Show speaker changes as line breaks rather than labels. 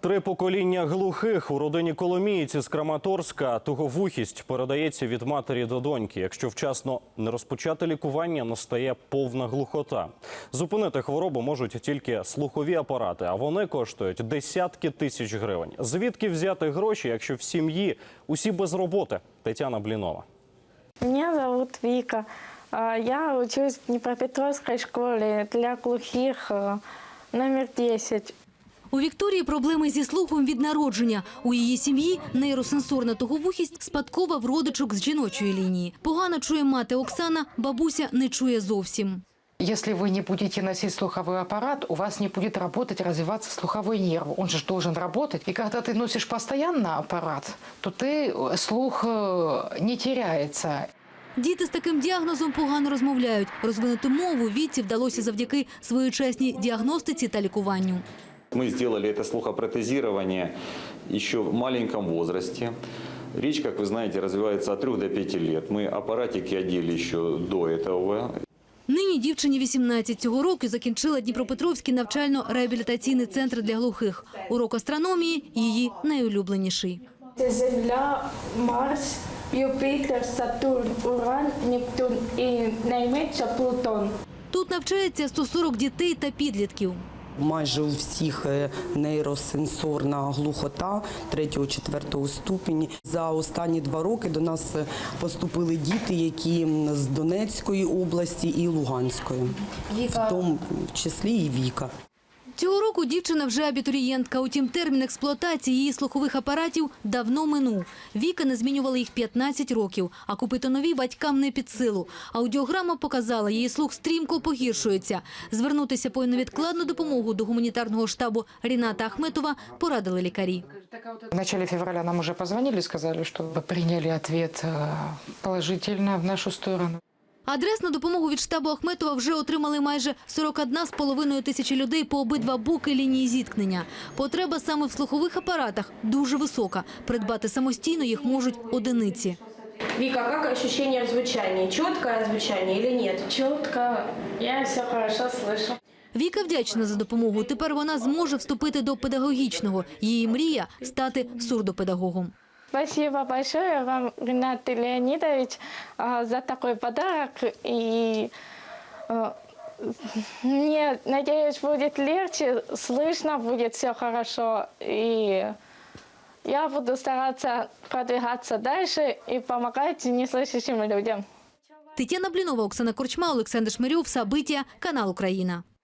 3 покоління глухих у родині Коломієць з Краматорська. Туговухість передається від матері до доньки. Якщо вчасно не розпочати лікування, настає повна глухота. Зупинити хворобу можуть тільки слухові апарати, а вони коштують десятки тисяч гривень. Звідки взяти гроші, якщо в сім'ї усі без роботи? Тетяна Блінова.
Меня зовут Вика. Я учусь в Днепропетровской школе для глухих номер 10.
У Вікторії проблеми зі слухом від народження. У її сім'ї нейросенсорна туговухість спадкова в родичок з жіночої лінії. Погано чує мати Оксана, бабуся не чує зовсім.
Если вы не будете носить слуховой аппарат, у вас не будет работать, развиваться слуховой нерв. Он же должен работать. И когда ты носишь постоянно аппарат, то слух не теряется.
Діти з таким діагнозом погано розмовляють. Розвинути мову Віці вдалося завдяки своєчасній діагностиці та лікуванню.
Мы сделали это слухопротезирование еще в маленьком возрасте. Речь, как вы знаете, развивается от 3 до 5 лет. Мы аппаратики одели еще до этого.
Нині дівчині 18. Цього року закінчила Дніпропетровський навчально-реабілітаційний центр для глухих. Урок астрономії – її найулюбленіший.
Земля, Марс, Юпітер, Сатурн, Уран, Нептун і найменше Плутон.
Тут навчається 140 дітей та підлітків.
Майже у всіх нейросенсорна глухота 3-4 ступені. За останні 2 роки до нас поступили діти, які з Донецької області і Луганської, в тому числі і Віка.
Цього року дівчина вже абітурієнтка. Утім, термін експлуатації її слухових апаратів давно минув. Віка не змінювала їх 15 років, а купити нові батькам не під силу. Аудіограма показала, її слух стрімко погіршується. Звернутися по невідкладну допомогу до гуманітарного штабу Ріната Ахметова порадили лікарі.
В начале февраля нам уже позвонили, сказали, что приняли ответ положительно в нашу сторону.
Адресну допомогу від штабу Ахметова вже отримали майже 41,5 тисячі людей по обидва боки лінії зіткнення. Потреба саме в слухових апаратах дуже висока. Придбати самостійно їх можуть одиниці.
Вика, как ощущение в звучании? Четкое звучание или нет?
Чітко, я все хорошо слышу.
Віка вдячна за допомогу. Тепер вона зможе вступити до педагогічного. Її мрія – стати сурдопедагогом.
Спасибо большое вам, Ренат Леонидович, за такой подарок. И мне, надеюсь, будет легче, слышно будет все хорошо. И я буду стараться продвигаться дальше и помогать неслышащим людям.
Тетяна Блінова, Оксана Корчма, Олександр Шмирьов, Сабиття, канал «Україна».